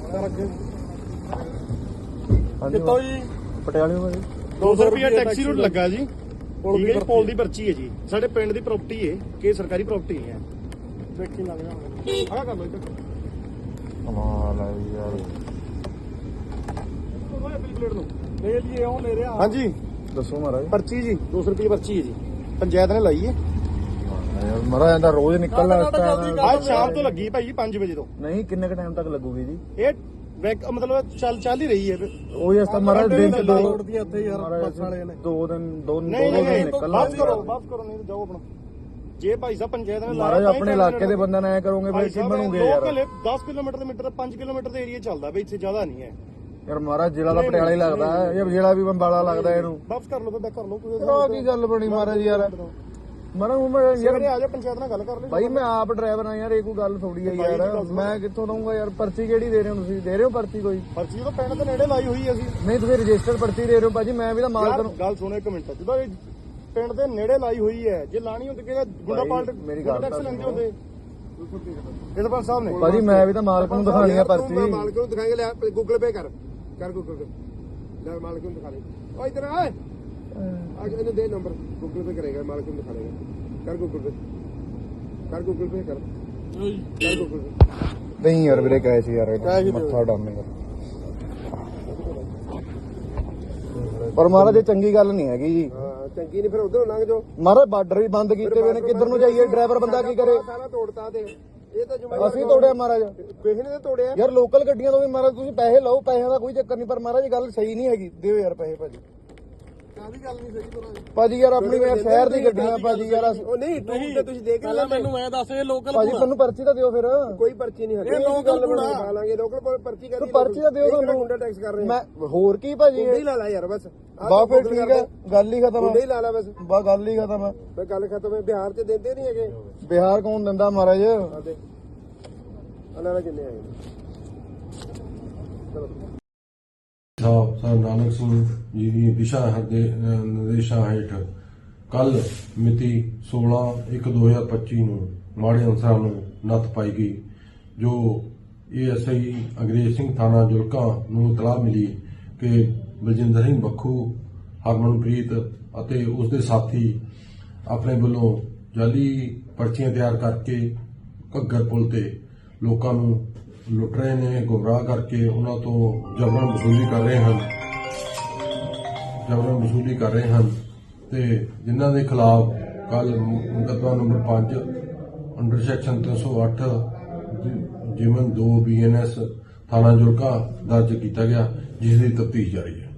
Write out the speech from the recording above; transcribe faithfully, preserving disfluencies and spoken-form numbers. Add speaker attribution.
Speaker 1: ਕਿੱਥੋਂ ਜੀ?
Speaker 2: ਪਟਿਆਲੇ ਤੋਂ ਜੀ।
Speaker 1: ਦੋ ਸੌ ਰੁਪਏ ਟੈਕਸੀ ਰੂਟ ਲੱਗਾ ਜੀ। ਠੀਕ ਹੈ ਜੀ, ਪੋਲ ਦੀ ਪਰਚੀ ਹੈ ਜੀ। ਸਾਡੇ ਪਿੰਡ ਦੀ ਪ੍ਰਾਪਰਟੀ ਹੈ ਕਿ ਸਰਕਾਰੀ ਪ੍ਰਾਪਰਟੀ ਨਹੀਂ ਹੈ। ਦੇਖੀ ਲੱਗ ਜਾਣਾ। ਆਹ ਕਰ ਲਓ ਇੱਧਰ।
Speaker 2: ਕਮਾਲ ਹੈ ਯਾਰ।
Speaker 1: ਪਲੇਟ ਨੂੰ ਲੈ ਲਈਏ ਉਹ ਲੈ ਰਿਹਾ। ਹਾਂਜੀ
Speaker 2: ਦੱਸੋ ਮਹਾਰਾਜ।
Speaker 1: ਪਰਚੀ ਜੀ ਦੋ ਸੌ ਰੁਪਏ ਪਰਚੀ ਹੈ ਜੀ। ਪੰਚਾਇਤ ਨੇ ਲਾਈ ਹੈ।
Speaker 2: ਯਾਰ ਮਹਾਰਾਜ ਇਹਦਾ ਰੋਜ਼ ਨਿਕਲਣਾ ਇਸ ਟਾਈਮ।
Speaker 1: ਅੱਜ ਸ਼ਾਮ ਤੋਂ ਲੱਗੀ ਭਾਈ ਪੰਜ ਵਜੇ ਤੋਂ।
Speaker 2: ਨਹੀਂ ਕਿੰਨੇ ਕ ਟਾਈਮ ਤੱਕ ਲੱਗੂਗੀ ਜੀ?
Speaker 1: ਇਹ ਬੈਕ ਮਤਲਬ ਚੱਲ ਚੱਲ ਹੀ ਰਹੀ ਹੈ।
Speaker 2: ਉਹ ਇਸ ਤਾਂ ਮਹਾਰਾਜ ਦਿਨ ਚ ਦੋ
Speaker 1: ਤੋੜਦੀਆਂ ਇੱਥੇ ਯਾਰ ਬੱਸ ਵਾਲੇ ਨੇ।
Speaker 2: ਦੋ ਦਿਨ ਦੋ ਦੋ
Speaker 1: ਨਹੀਂ
Speaker 2: ਦਿਨ
Speaker 1: ਨਹੀਂ
Speaker 2: ਨਿਕਲਣਾ।
Speaker 1: ਵਾਪਸ ਕਰੋ ਵਾਪਸ ਕਰੋ ਨਹੀਂ ਜਾਓ ਆਪਣਾ। ਜੇ ਭਾਈ ਸਾਹਿਬ ਪੰਚਾਇਤ ਨੇ
Speaker 2: ਮਹਾਰਾਜ ਆਪਣੇ ਇਲਾਕੇ ਦੇ ਬੰਦਿਆਂ ਨਾਲ ਐ ਕਰੋਗੇ ਫਿਰ ਕੀ ਬਣੂਗੇ ਯਾਰ?
Speaker 1: ਦਸ ਕਿਲੋਮੀਟਰ ਦੇ ਮੀਟਰ ਪੰਜ ਕਿਲੋਮੀਟਰ ਦੇ ਏਰੀਆ ਚੱਲਦਾ ਬਈ, ਇੱਥੇ ਜ਼ਿਆਦਾ ਨਹੀਂ ਹੈ
Speaker 2: ਯਾਰ। ਮਹਾਰਾਜ ਜ਼ਿਲ੍ਹਾ ਦਾ ਪਟਿਆਲਾ ਹੀ ਲੱਗਦਾ ਹੈ ਜਾਂ ਜ਼ਿਲ੍ਹਾ ਵੀ ਬੰਬਾਲਾ ਲੱਗਦਾ ਇਹਨੂੰ?
Speaker 1: ਵਾਪਸ ਕਰ ਲਓ ਬੈਕ ਕਰ ਲਓ।
Speaker 2: ਕੋਈ ਕੀ ਗੱਲ ਬਣੀ ਮਹਾਰਾਜ ਯਾਰ? ਮਹਾਰਾਜ ਮੈਂ ਯਾਰ
Speaker 1: ਆ ਜਾ ਪੰਚਾਇਤ ਨਾਲ ਗੱਲ ਕਰ ਲੈ
Speaker 2: ਭਾਈ ਮੈਂ ਆਪ ਡਰਾਈਵਰ ਆ ਯਾਰ। ਇਹ ਕੋਈ ਗੱਲ ਥੋੜੀ ਹੈ ਯਾਰ। ਮੈਂ ਕਿੱਥੋਂ ਦਊਂਗਾ ਯਾਰ? ਪਰਚੀ ਕਿਹੜੀ ਦੇ ਰਹੇ ਹੋ ਤੁਸੀਂ? ਦੇ ਰਹੇ ਹੋ ਪਰਚੀ ਕੋਈ?
Speaker 1: ਪਰਚੀ ਤਾਂ ਪਿੰਡ ਦੇ ਨੇੜੇ ਲਾਈ ਹੋਈ ਹੈ ਅਸੀਂ।
Speaker 2: ਨਹੀਂ ਤੁਸੀਂ ਰਜਿਸਟਰ ਪਰਚੀ ਦੇ ਰਹੇ ਹੋ ਭਾਜੀ। ਮੈਂ ਵੀ ਤਾਂ ਮਾਲਕ ਨੂੰ
Speaker 1: ਗੱਲ ਸੁਣੋ ਇੱਕ ਮਿੰਟ। ਜਦੋਂ ਇਹ ਪਿੰਡ ਦੇ ਨੇੜੇ ਲਾਈ ਹੋਈ ਹੈ, ਜੇ ਲਾਣੀ ਹੁੰਦੀ ਕਿ ਗੁੰਡਾ ਪਾਲਟ
Speaker 2: ਮੇਰੀ ਗੱਲ
Speaker 1: ਟੈਕਸ ਲੈਂਦੇ ਹੁੰਦੇ ਇਹਦੇ ਪਰ ਸਾਹਿਬ ਨੇ।
Speaker 2: ਭਾਜੀ ਮੈਂ ਵੀ ਤਾਂ ਮਾਲਕ ਨੂੰ ਦਿਖਾਣੀ ਆ ਪਰਚੀ।
Speaker 1: ਮਾਲਕ ਨੂੰ ਦਿਖਾਏਗਾ। ਲੈ ਗੂਗਲ ਪੇ ਕਰ ਕਰ ਗੂਗਲ ਪੇ ਲੈ ਮਾਲਕ ਨੂੰ ਦਿਖਾ ਲੈ। ਓ ਇਧਰ ਆ ਆ ਇਹਨੂੰ ਦੇ ਨੰਬਰ ਗੂਗਲ ਪੇ ਕਰੇਗਾ। ਮਾਲਕ ਨੂੰ ਦਿਖਾ ਲੇਗਾ। ਕਰ ਗੂਗਲ ਪੇ ਕਰ ਗੂਗਲ ਪੇ ਕਰ ਕਰ ਗੂਗਲ ਪੇ।
Speaker 2: ਨਹੀਂ ਯਾਰ ਵੀਰੇ ਕਹੇ ਸੀ ਯਾਰ ਮੱਥਾ ਡਾਮੇਗਾ। ਪਰ ਮਹਾਰਾਜ ਇਹ ਚੰਗੀ ਗੱਲ ਨਹੀਂ ਹੈਗੀ ਜੀ।
Speaker 1: ਹਾਂ ਚੰਗੀ ਨਹੀਂ ਫਿਰ ਉਧਰੋਂ ਲੰਘ ਜਾਓ।
Speaker 2: ਮਹਾਰਾਜ ਬਾਰਡਰ ਵੀ ਬੰਦ ਕੀਤੇ ਹੋਏ ਨੇ। ਕਿੱਧਰ ਨੂੰ ਜਾਈਏ? ਡਰਾਈਵਰ ਬੰਦਾ ਕੀ ਕਰੇ?
Speaker 1: ਸਾਰਾ ਤੋੜਤਾ ਤੇ ਇਹ ਤਾਂ
Speaker 2: ਅਸੀਂ ਤੋੜਿਆ ਮਹਾਰਾਜ।
Speaker 1: ਕਿਸੇ ਨੇ ਤਾਂ ਤੋੜਿਆ
Speaker 2: ਯਾਰ। ਲੋਕਲ ਗੱਡੀਆਂ ਤੋਂ ਵੀ ਮਹਾਰਾਜ ਤੁਸੀਂ ਪੈਸੇ ਲਓ। ਪੈਸਿਆਂ ਦਾ ਕੋਈ ਚੱਕਰ ਨਹੀਂ। ਪਰ ਮਹਾਰਾਜ ਇਹ ਗੱਲ ਸਹੀ ਨਹੀਂ ਹੈਗੀ। ਦਿਓ ਯਾਰ ਪੈਸੇ ਭਾਜੀ।
Speaker 1: ਕਾਹਦੀ ਗੱਲ ਨਹੀਂ ਸਹੀ ਤੋੜਾ
Speaker 2: ਭਾਜੀ ਯਾਰ ਆਪਣੀ ਯਾਰ ਸ਼ਹਿਰ ਦੀ ਗੱਡੀਆਂ ਭਾਜੀ ਯਾਰ।
Speaker 1: ਉਹ ਨਹੀਂ ਟੂਰ ਤੇ ਤੁਸੀਂ ਦੇਖ ਲੈ। ਮੈਨੂੰ ਐ ਦੱਸ ਇਹ ਲੋਕਲ
Speaker 2: ਭਾਜੀ ਤੁਹਾਨੂੰ ਪਰਚੀ ਤਾਂ ਦਿਓ ਫਿਰ।
Speaker 1: ਕੋਈ ਪਰਚੀ ਨਹੀਂ ਹੈ। ਇਹ ਲੋਕਲ ਬਣਾ ਲਾਂਗੇ। ਲੋਕਲ ਕੋਲ ਪਰਚੀ ਕਰ
Speaker 2: ਤੂੰ ਪਰਚੀ ਤਾਂ ਦਿਓ ਤੁਹਾਨੂੰ।
Speaker 1: ਗੁੰਡਾ ਟੈਕਸ ਕਰ ਰਹੇ
Speaker 2: ਮੈਂ ਹੋਰ ਕੀ ਭਾਜੀ?
Speaker 1: ਗੁੰਡਾ ਹੀ ਲਾ ਲਾ ਯਾਰ ਬਸ।
Speaker 2: ਬਾ ਫਿਰ ਠੀਕ ਹੈ। ਗੱਲ ਹੀ ਖਤਮ
Speaker 1: ਗੁੰਡਾ ਹੀ ਲਾ ਲਾ ਬਸ।
Speaker 2: ਬਾ ਗੱਲ ਹੀ ਖਤਮ ਹੈ।
Speaker 1: ਬਈ ਗੱਲ ਖਤਮ ਹੈ। ਬਿਹਾਰ ਚ ਦਿੰਦੇ ਨਹੀਂ ਹੈਗੇ।
Speaker 2: ਬਿਹਾਰ ਕੌਣ ਦਿੰਦਾ ਮਹਾਰਾਜ?
Speaker 1: ਆਦੇ ਅਲਾਰਾ ਕਿੰਨੇ ਆਏ ਚਲੋ।
Speaker 3: ਸਾਹਿਬ ਸਰ ਨਾਨਕ ਸਿੰਘ ਜੀ ਦੀ ਦਿਸ਼ਾ ਦੇ ਨਿਰਦੇਸ਼ਾਂ ਹੇਠ ਕੱਲ ਮਿਤੀ ਸੋਲਾਂ ਇੱਕ ਦੋ ਹਜ਼ਾਰ ਪੱਚੀ ਨੂੰ ਮਾੜੇ ਅਨਸਰਾਂ ਨੂੰ ਨੱਥ ਪਾਈ ਗਈ, ਜੋ ਏ ਐਸ ਆਈ ਅੰਗਰੇਜ਼ ਸਿੰਘ ਥਾਣਾ ਜੁਲਕਾ ਨੂੰ ਇਤਲਾਹ ਮਿਲੀ ਕਿ ਬਲਜਿੰਦਰ ਸਿੰਘ ਬੱਖੂ, ਹਰਮਨਪ੍ਰੀਤ ਅਤੇ ਉਸ ਦੇ ਸਾਥੀ ਆਪਣੇ ਵੱਲੋਂ ਜਾਲੀ ਪਰਚੀਆਂ ਤਿਆਰ ਕਰਕੇ ਘੱਗਰ ਪੁਲ ਤੇ ਲੋਕਾਂ ਨੂੰ ਲੁੱਟ ਰਹੇ ਨੇ, ਗੁੰਮਰਾਹ ਕਰਕੇ ਉਹਨਾਂ ਤੋਂ ਜਬਰਨ ਵਸੂਲੀ ਕਰ ਰਹੇ ਹਨ ਜਬਰਨ ਵਸੂਲੀ ਕਰ ਰਹੇ ਹਨ ਤੇ ਜਿਨ੍ਹਾਂ ਦੇ ਖਿਲਾਫ ਕੱਲ ਮੁਕੱਦਮਾ ਨੰਬਰ ਪੰਜ ਅੰਡਰ ਸੈਕਸ਼ਨ ਤਿੰਨ ਸੌ ਅੱਠ ਜਿਮਨ ਦੋ ਬੀ ਐਨ ਐਸ ਥਾਣਾ ਜੁਲਕਾ ਦਰਜ ਕੀਤਾ ਗਿਆ, ਜਿਸ ਦੀ ਤਫਤੀਸ਼ ਜਾਰੀ ਹੈ।